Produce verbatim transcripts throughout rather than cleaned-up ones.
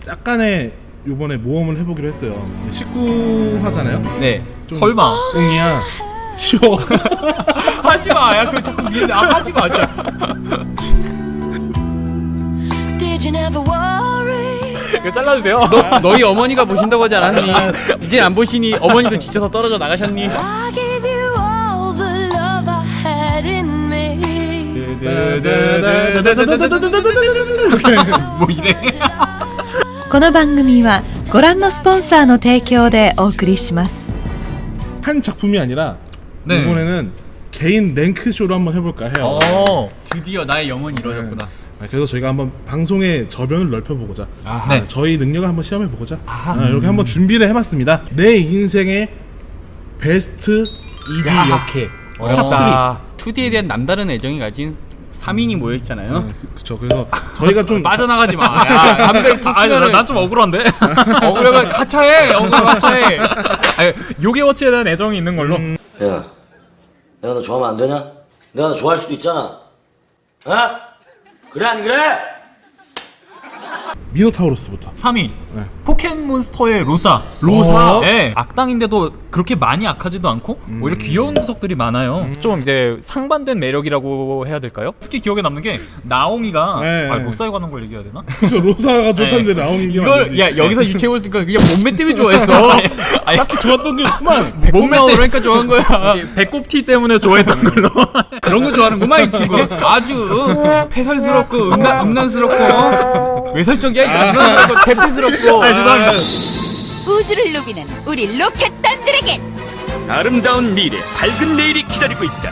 약간의 요번에 모험을 해보기로 했어요. 십구 화잖아요. 네. 좀 설마. 웅이야. 치워. 하지마. 야, 그거 자꾸 미안해. 아, 하지마. 진짜. Did you never worry? 이거 잘라주세요. 너, 너희 어머니가 보신다고 하지 않았니? 이제 안 보시니 어머니도 지쳐서 떨어져 나가셨니? I gave you all the love I had in me. 뭐 이래? この番組はご覧のスポンサーの提供でお送りします。 한 작품이 아니라 네. 이번에는 개인 랭크 쇼를 한번 해볼까 해요. 어, 드디어 나의 영혼이 이루어졌구나. 네. 그래서 저희가 한번 방송의 저변을 넓혀보고자, 아하. 네. 저희 능력을 한번 시험해보고자 아, 이렇게 한번 준비를 해봤습니다. 내 인생의 베스트 이디 역해 어렵다. 투디에 대한 남다른 애정이 가진 삼 인이 모여있잖아요. 네, 그쵸. 그래서 저희가 좀 빠져나가지 마. 야, 담배를 피우면은 난 좀 억울한데. 억울하면 하차해. 억울하면 하차해. 아니, 요괴워치에 대한 애정이 있는 걸로. 음. 야, 내가 너 좋아하면 안 되냐? 내가 너 좋아할 수도 있잖아. 어? 그래 안 그래? 미노타우로스부터. 삼 위 네. 포켓몬스터의 로사. 로사? 네. 악당인데도 그렇게 많이 악하지도 않고 오히려 귀여운 녀석들이 많아요. 좀 이제 상반된 매력이라고 해야 될까요? 특히 기억에 남는 게 나옹이가 네. 아, 로사에 관한 걸 얘기해야 되나? 그죠. 로사가 좋다는데 나오는 게 이걸 야 여기서 유쾌해 보니까 그냥 몸매 때문에 좋아했어. 아니, 딱히 좋았던 게 그만. 몸매 그러니까 좋아한 거야. 배꼽티 때문에 좋아했던 걸로. 그런 거 좋아하는구만 이 친구. 아주 폐설스럽고 음란, 음란스럽고 외설적이야 이 친구. 대패스럽고. 아, 죄송합니다. 우주를 누비는 우리 로켓단들에겐 아름다운 미래, 밝은 내일이 기다리고 있다.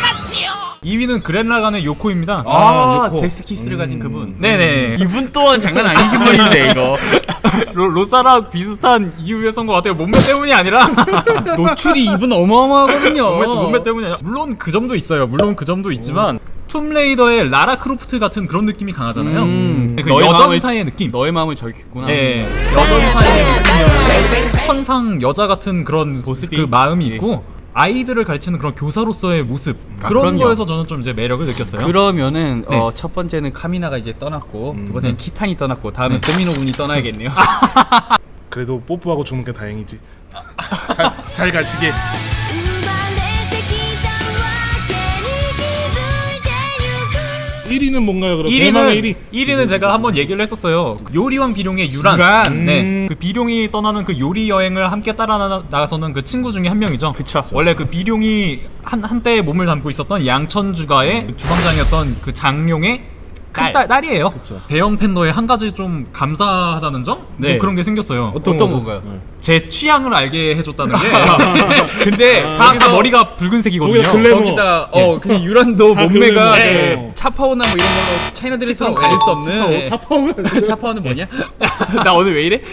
이 위는 그랜라간의 요코입니다. 아, 요코. 데스키스를 가진 그분. 네네. 이분 또한 장난 아니신 분인데 이거. 로, 로사랑 비슷한 이유였던 것 같아요. 몸매 때문이 아니라 노출이 이분 어마어마하거든요. 몸매, 몸매 때문이 아니라 물론 그 점도 있어요. 물론 그 점도 있지만 툼레이더의 라라 크로프트 같은 그런 느낌이 강하잖아요. 음, 그 너의 여전 마음을- 사이의 느낌. 너의 마음을 저격했구나. 예, 여전 사이의 느낌이었는데 천상 여자 같은 그런 모습이- 그 마음이 예. 있고 아이들을 가르치는 그런 교사로서의 모습 아, 그런 그럼요. 거에서 저는 좀 이제 매력을 느꼈어요. 그러면은 네. 어, 첫 번째는 카미나가 이제 떠났고 두 번째는 키탄이 떠났고 다음은 도미노 군이 떠나야겠네요. 그래도 뽀뽀하고 죽는 게 다행이지. 잘, 잘 가시게. 生まれてきたわけに気づいてゆく 일 위는 뭔가요? 그럼 대망의 일 위. 일 위는 제가 한번 얘기를 했었어요. 요리왕 비룡의 유란. 유란. 네. 음. 그 비룡이 떠나는 그 요리 여행을 함께 따라 나- 나가서는 그 친구 중에 한 명이죠. 그쵸. 원래 그 비룡이 한 한때 몸을 담고 있었던 양천주가의 주방장이었던 그 장룡의 큰 딸. 딸, 딸이에요. 그쵸. 대형 팬더에 한 가지 좀 감사하다는 점? 네. 뭐 그런 게 생겼어요. 어떤, 어떤 거죠? 건가요? 네. 제 취향을 알게 해줬다는 게. 근데 다, 다 거기서- 머리가 붉은색이거든요. 거기다 글래머. 거기다 어 그 유란도 다 몸매가 그런 네. 거. 차파오나 뭐 이런 걸로 차이나 드레스랑 치파오. 가릴 수 차파오, 없는. 차파오는 차파오는 뭐냐? 나 오늘 왜 이래?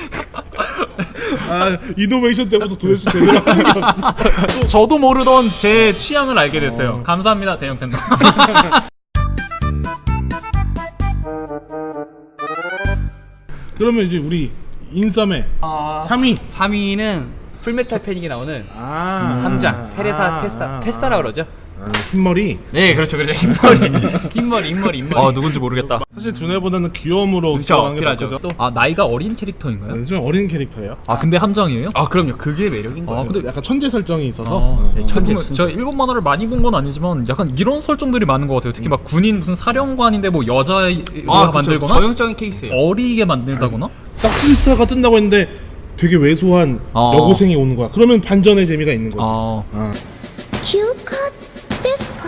아, 이노베이션 때부터 도대체 제대로 하는 게 없어. 저도 모르던 제 취향을 알게 됐어요. 감사합니다, 대형 팬더. 그러면 이제 우리 인썸의 삼 위. 삼 위는 풀메탈 패닉에 나오는 아, 함장 테레사 아, 테스타 아, 테스타라 그러죠? 아, 흰머리. 네, 그렇죠, 그렇죠. 흰머리, 흰머리, 흰머리, 흰머리. 어, 누군지 모르겠다. 사실 두뇌보다는 귀여움으로 그렇죠, 들어가는 게 필요하죠. 낫죠. 또, 아, 나이가 어린 캐릭터인가요? 좀 어린 캐릭터예요. 아, 근데 함정이에요? 아, 그럼요. 그게 매력인 거예요. 아, 근데 약간 천재 설정이 있어서. 아, 어, 네, 어. 천재, 천재. 진짜. 제가 일본 만화를 많이 본 건 아니지만 약간 이런 설정들이 많은 것 같아요. 특히 막 군인 무슨 사령관인데 뭐 여자가 아, 그쵸. 만들거나 저형적인 케이스예요. 어리게 만들다거나. 딱 필사가 뜬다고 했는데 되게 왜소한 어. 여고생이 오는 거야. 그러면 반전의 재미가 있는 거지. 아, 아. 休暇ですか？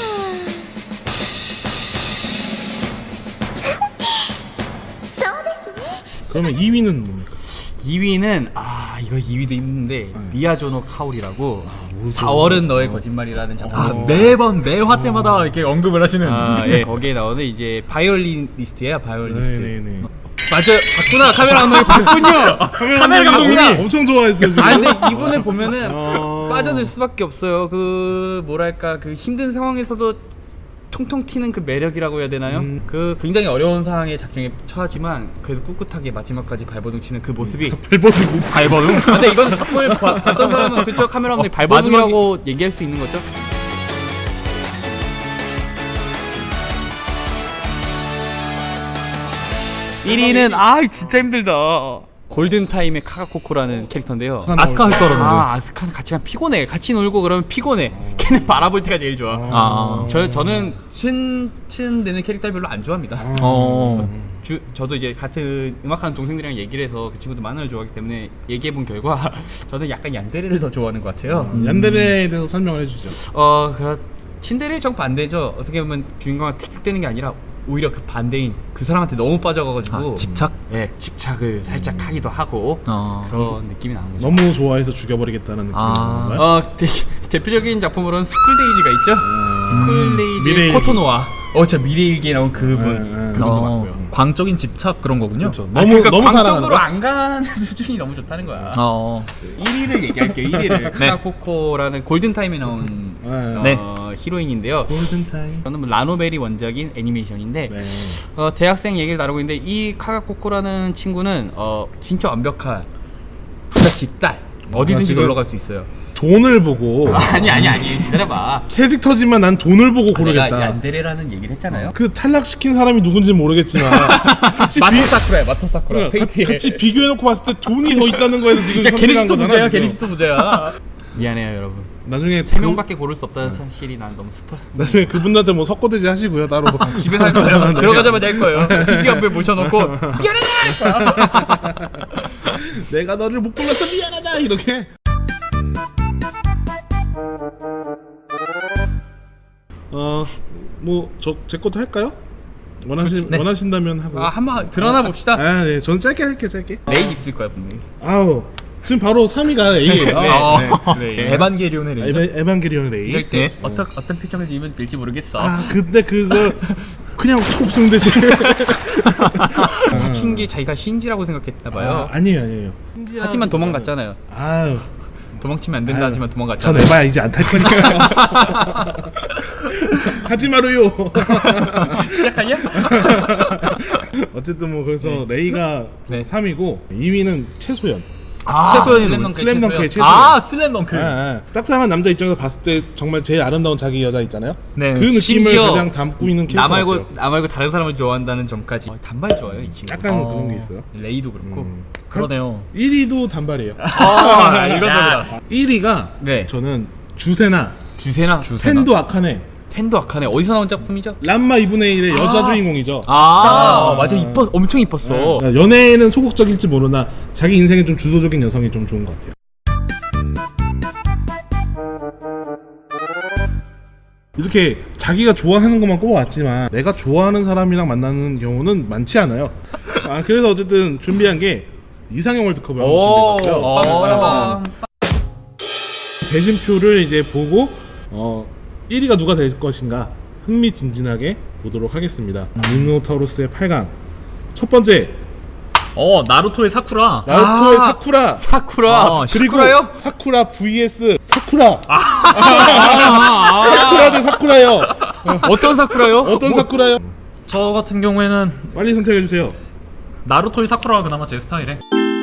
そうですね。 그러면 이 위는 뭡니까? 이 위는 아 이거 이 위도 힘든데 미야조노 카오리라고 사월은 너의 거짓말이라는 작품. 아 매번 매화 때마다 이렇게 언급을 하시는. 아, 예. 거기에 나오는 이제 바이올리니스트예요, 바이올리니스트. 네네네. 맞아요, 봤구나. 카메라 감독이 봤군요. 카메라 감독님이 감독님이 엄청 좋아했어 지금. 아 근데 이분을 보면은 어. 빠져들 수밖에 없어요. 그 뭐랄까 그 힘든 상황에서도 통통 튀는 그 매력이라고 해야 되나요? 음. 그 굉장히 어려운 상황에 작중에 처하지만 그래도 꿋꿋하게 마지막까지 발버둥 치는 그 모습이. 발버둥. 발버둥. 아, 근데 이거는 작품을 봐- 봤던 사람은 그쪽 카메라 감독이 발버둥이라고 얘기할 수 있는 거죠. 일 위는 아 진짜 힘들다. 골든타임의 카가코코라는 캐릭터인데요. 아스카 할 줄 알았는데. 아 아스카는 같이 가 피곤해. 같이 놀고 그러면 피곤해. 걔는 바라볼 때가 제일 좋아. 아. 저 저는 친 친되는 캐릭터 별로 안 좋아합니다. 어. 주, 저도 이제 같은 음악하는 동생들이랑 얘기를 해서 그 친구도 만화를 좋아하기 때문에 얘기해본 결과 저는 약간 얀데레를 더 좋아하는 것 같아요. 얀데레에 대해서 설명을 해주죠. 어, 그 친데레 정 반대죠. 어떻게 보면 주인공한테 틱틱대는 게 아니라 오히려 그 반대인 그 사람한테 너무 빠져가가지고 아, 집착? 예, 집착을 살짝 하기도 하고 어. 그런 느낌이 나는 거죠. 너무 좋아해서 죽여버리겠다는 느낌인 아. 건가요? 어, 대, 대표적인 작품으로는 스쿨데이지가 있죠. 스쿨데이지 미래일기. 코토노와 어, 저 미래일기에 나온 그분 네, 네. 그분도 어, 맞고요. 광적인 집착 그런 거군요. 그렇죠. 아, 너무 그러니까 너무 광적으로 사랑하는 안 가는 수준이 너무 좋다는 거야. 어. 일 위를 얘기할게요. 일 위를 네. 카가코코라는 골든타임에 나온 네. 어, 히로인인데요. 골든타임. 저는 뭐 라노벨이 원작인 애니메이션인데 네. 어, 대학생 얘기를 다루고 있는데 이 카가코코라는 친구는 어, 진짜 완벽한 부잣집 딸. 어디든지 지금- 놀러 갈 수 있어요. 돈을 보고 아니 아니 아니 기다려봐. 캐릭터지만 난 돈을 보고 내가 고르겠다. 얀데레라는 얘기를 했잖아요. 그 탈락시킨 사람이 누군지 모르겠지만 같이 비, 마토 사쿠라야 마토 사쿠라. 그러니까 페이트에. 가- 같이 비교해놓고 봤을 때 돈이 더 있다는 거에서 지금 그러니까 걔네 선택한 집도 거잖아. 부자야. 지금. 걔네 집도 부자야. 미안해요 여러분. 나중에 세 그- 명밖에 고를 수 없다는 사실이 난 너무 슬펐어. 나중에 그분들한테 뭐 석고대지 하시고요 따로. 집에 살 거예요. 들어가자마자 할 거예요. 피규어 앞에 모셔놓고 미안해. 내가 너를 못 골랐어 미안하다 이렇게. 어뭐 저 제 것도 할까요? 원하신 네. 원하신다면 하고. 아 한번 드러나 봅시다. 아, 네, 저는 짧게 할게요, 짧게. 레이 있을 거야 분명히. 아우, 지금 바로 삼 위가 A예요. 네. 어. 네. 에반게리온의 레이저. 에바, 에반게리온 A. 이럴 때 어떤 어떤 표정을 지으면 될지 모르겠어. 아, 근데 그거 그냥 촉수면 되지. 사춘기 자기가 신지라고 생각했나 봐요. 아, 아니에요, 아니에요. 하지만 도망갔잖아요. 아유, 도망치면 안 된다 아유, 하지만 전 도망갔잖아요. 에바야 이제 안 탈 거니까. 하지 마루요. 시작하냐? 어쨌든 뭐 그래서 레이가 네. 삼 위고 이 위는 최소연. 아, 최소연이 슬램덩크. 슬램덩크의 최소연. 아, 슬램덩크. 아, 아. 짝사랑한 남자 입장에서 봤을 때 정말 제일 아름다운 자기 여자 있잖아요. 네. 그 느낌을 심지어 가장 담고 있는 캐릭터 나 말고 같아요. 나 말고 다른 사람을 좋아한다는 점까지. 어, 단발 좋아요 이 친구. 약간 어. 그런 게 있어요. 레이도 그렇고. 음. 그러네요. 일 위도 단발이에요. 아, 이건적이다. 일 위가 네. 저는 주세나, 주세나. 텐도 아카네, 텐도 아카네 어디서 나온 작품이죠? 람마 이분의 일의 여자 주인공이죠. 아, 맞아 이뻤 엄청 이뻤어. 그러니까 연애에는 소극적일지 모르나 자기 인생에 좀 주도적인 여성이 좀 좋은 것 같아요. 이렇게 자기가 좋아하는 것만 꼽아왔지만 내가 좋아하는 사람이랑 만나는 경우는 많지 않아요. 아, 그래서 어쨌든 준비한 게 이상형 월드컵을 한번 준비해봤어요. 오. 대진표를 이제 보고 어 일 위가 누가 될 것인가 흥미진진하게 보도록 하겠습니다. 미노타우로스의 팔 강 첫 번째 어, 나루토의 사쿠라. 나루토의 아. 사쿠라, 사쿠라. 어, 그리고 사쿠라요? 사쿠라 vs 사쿠라. 아, 사쿠라 대 사쿠라요. 어떤 사쿠라요? 어떤 사쿠라요? 저 같은 경우에는 빨리 선택해 주세요. 나루토의 사쿠라가 그나마 제 스타일에.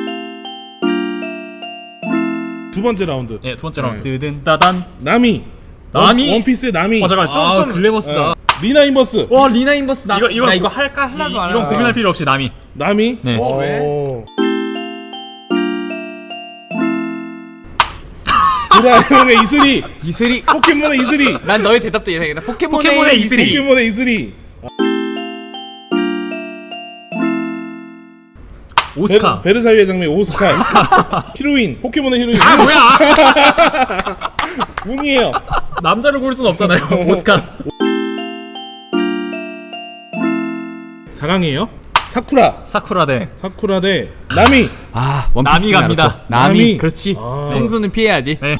두 번째 라운드. 네, 두 번째 라운드. 뜨든. 따단. 나미. 나미? 원, 원피스의 나미. 어, 잠깐 좀 아, 좀 글래머스다. 어, 리나 인버스. 와 리나 인버스 나 이거- 이거 이거 나 이거 고- 할까 하나도 이, 안 이건 하. 고민할 필요 없이 나미. 나미. 네. 어, 왜? 오. 도라에몽의 이슬이. 이슬이. 포켓몬의 이슬이. 난 너의 대답도 예상했다. 포켓몬의, 포켓몬의 이슬이. 포켓몬의 이슬이. 오스카. 베르, 베르사유의 장면 오스카. 히로인. 포켓몬의 히로인. 아, 뭐야? 웅이에요. 남자를 고를 순 없잖아요. 오스카. 사 강이에요. 사쿠라. 사쿠라 대. 사쿠라 대 나미. 아 원피스 나미 갑니다. 나루토. 나미. 나미. 그렇지. 아. 평소는 피해야지. 네.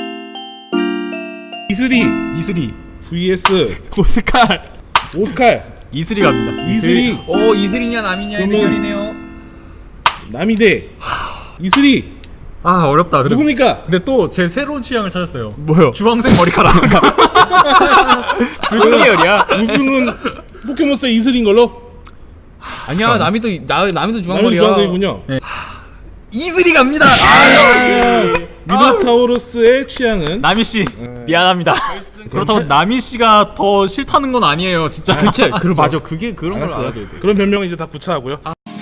이슬이 이슬이. vs 오스칼. 오스칼. 이슬이 갑니다. 이슬이. 오 이슬이냐 나미냐의 그러면- 대결이네요. 나미 대 이슬이. 아, 어렵다. 근데, 누굽니까? 근데 또 제 새로운 취향을 찾았어요. 뭐요? 주황색 머리카락. 붉은 계열이야. 우승은 포켓몬스터 이슬인 걸로. 아니야 나미도 나 나미도 나미 중앙머리야. 주황색이군요. 이슬이 갑니다. 미노타우로스의 취향은 나미 씨 미안합니다. 그렇다고 나미 씨가 더 싫다는 건 아니에요, 진짜. 그치. 그 맞아. 그게 그런 걸 알았어요. 알아야 돼. 그런 변명은 이제 다 구차하고요.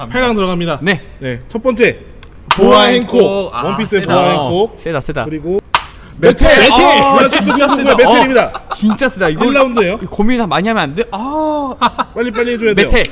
들어갑니다. 팔 강 들어갑니다. 네. 네, 첫 번째 보아 보아 행콕. 행콕, 아, 원피스의 세다. 보아 행콕, 세다 세다. 그리고 메텔! 메텔, 메텔, 아, 나 진짜 진짜 궁금한 세다. 메텔입니다. 어, 진짜 세다. 이거 일 라운드예요. 고민 많이 하면 안 돼? 아. 빨리 빨리 해줘야 돼요. 메텔.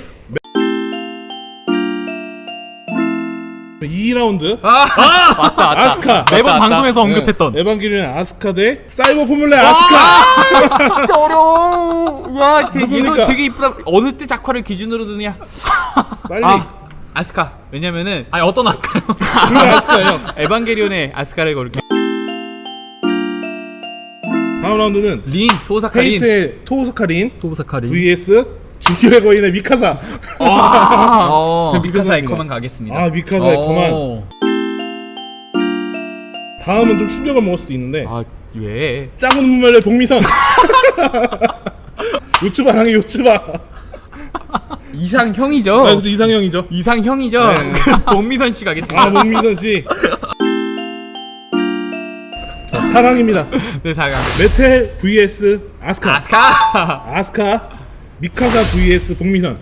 이 라운드 맞다 맞다. 아스카. 매번 맞다, 방송에서 네, 언급했던. 에반게리온 아스카 대 사이버 포뮬레 아스카. 진짜 어려워. 와, 쟤 누굽니까? 이거 되게 이쁘다. 어느 때 작화를 기준으로 드냐? 빨리. 아, 아스카. 왜냐면은 아니 어떤 아스카요? 둘 다 아스카예요. 에반게리온의 아스카를 걸게. 다음 라운드는 린 토사카린. 페이트의 토우스카린 도부사카리. vs 진격의 거인의 미카사. 어. 저 미카사 미카사입니다. 에코만 가겠습니다. 아 미카사의 어. 그만. 다음은 좀 충격을 먹을 수도 있는데 아, 왜? 작은 눈물의 복미선. 요츠바랑의 요츠바. 이상형이죠. 아, 그래서 이상형이죠. 이상형이죠. 네. 동미선 씨 가겠습니다. 아 복미선 씨. 자, 사 강입니다. 네, 사 강. 메텔 vs 아스카. 아스카. 아스카 미카사 vs 복미선.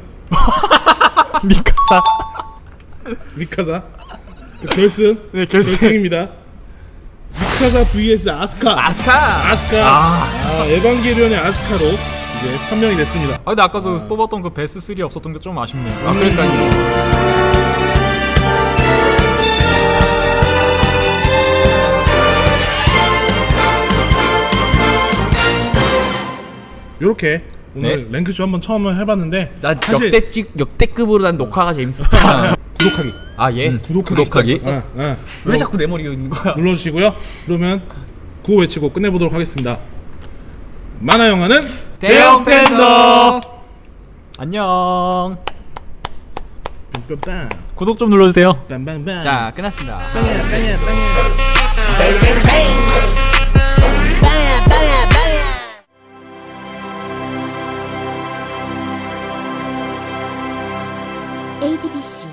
미카사. 미카사 그 결승. 네, 결승. 결승입니다. 미카사 vs 아스카. 아스카. 아스카. 아, 에반게리온의 아스카로 이제 판명이 됐습니다. 아 근데 아까 그 뽑았던 그 베스트 쓰리 없었던 게 좀 아쉽네요. 아, 그러니까요. 요렇게 오늘 네. 랭크쇼 한번 처음 해봤는데 난 사실 역대찍 역대급으로 난 녹화가 재밌었다. 구독하기. 아, 예. 구독하기. 구독하기. 어, 어. 왜 자꾸 내 머리가 있는 거야? 눌러주시고요. 그러면 구호 외치고 끝내보도록 하겠습니다. 만화 영화는 대형 팬더. 안녕. 빰빰빰 구독 좀 눌러주세요. 빰빰빰. 자, 끝났습니다. 에이티비씨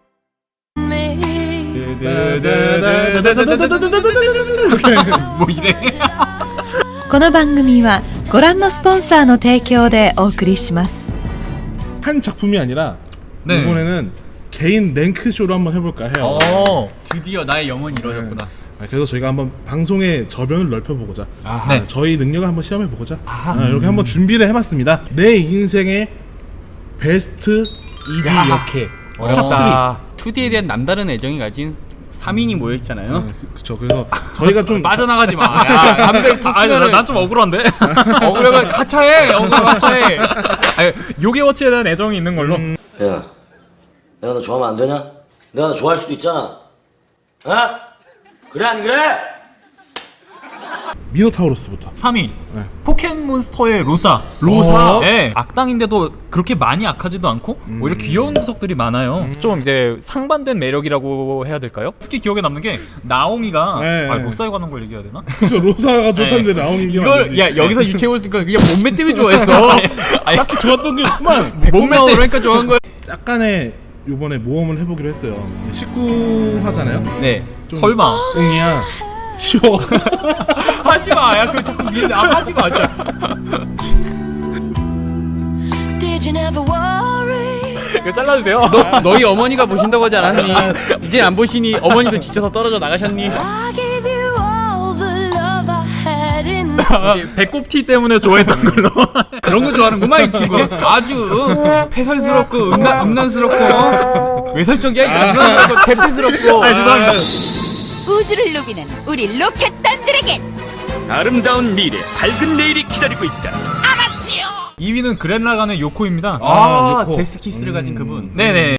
뭐 이래? この番組はご覧のスポンサーの提供でお送りします。 한 작품이 아니라 네. 이번에는 개인 랭크 쇼로 한번 해볼까 해요. 어. 드디어 나의 영혼이 이루어졌구나. 아, 그래서 저희가 한번 방송의 저변을 넓혀보고자, 아하. 아, 저희 능력을 한번 시험해보고자 아, 이렇게 한번 준비를 해봤습니다. 내 인생의 베스트 이디 야. 역해 어렵다. 투디에 대한 남다른 애정이 가진 삼 인이 모여 있잖아요. 그렇죠. 그래서 저희가 좀 빠져나가지 마. 야, 담배 아니 탔으면은 난 좀 억울한데. 억울하면 하차해. 억울하면 하차해. 아니 요게워치에 대한 애정이 있는 걸로. 야, 내가 너 좋아하면 안 되냐? 내가 너 좋아할 수도 있잖아. 어? 그래 안 그래? 미노타우로스부터. 삼 위 네. 포켓몬스터의 로사. 로사? 네. 악당인데도 그렇게 많이 악하지도 않고 오히려 귀여운 녀석들이 많아요. 좀 이제 상반된 매력이라고 해야 될까요? 특히 기억에 남는 게 나옹이가 네. 아, 목사에 관한 걸 얘기해야 되나? 그렇죠. 로사가 좋다는데 나오는 게 이걸 야 여기서 유쾌올 쓰니까 그냥 몸매 때문에 좋아했어. 아니, 딱히 좋았던 게 없구만. 몸매 그러니까 좋아한 거야. 약간의 요번에 모험을 해보기로 했어요. 십구 화잖아요. 네. 좀 설마. 응이야. 치워. 하지 마. 야 그거 자꾸 미안해. 아 하지 마. 진짜. Did you never worry? 이거 잘라주세요. 너 너희 어머니가 보신다고 하지 않았니? 이젠 안 보시니 어머니도 지쳐서 떨어져 나가셨니? I gave you all the love I had in 이제 배꼽티 때문에 좋아했던 걸로. 그런 거 좋아하는구만 이 친구. 아주 응? 폐설스럽고 음란 음란스럽고 외설적이야. 이 친구. 대패스럽고. 아 죄송합니다. 우주를 누비는 우리 로켓단들에겐 아름다운 미래, 밝은 내일이 기다리고 있다. 이 위는 그랜라간의 요코입니다. 아, 요코. 데스키스를 가진 그분. 네네.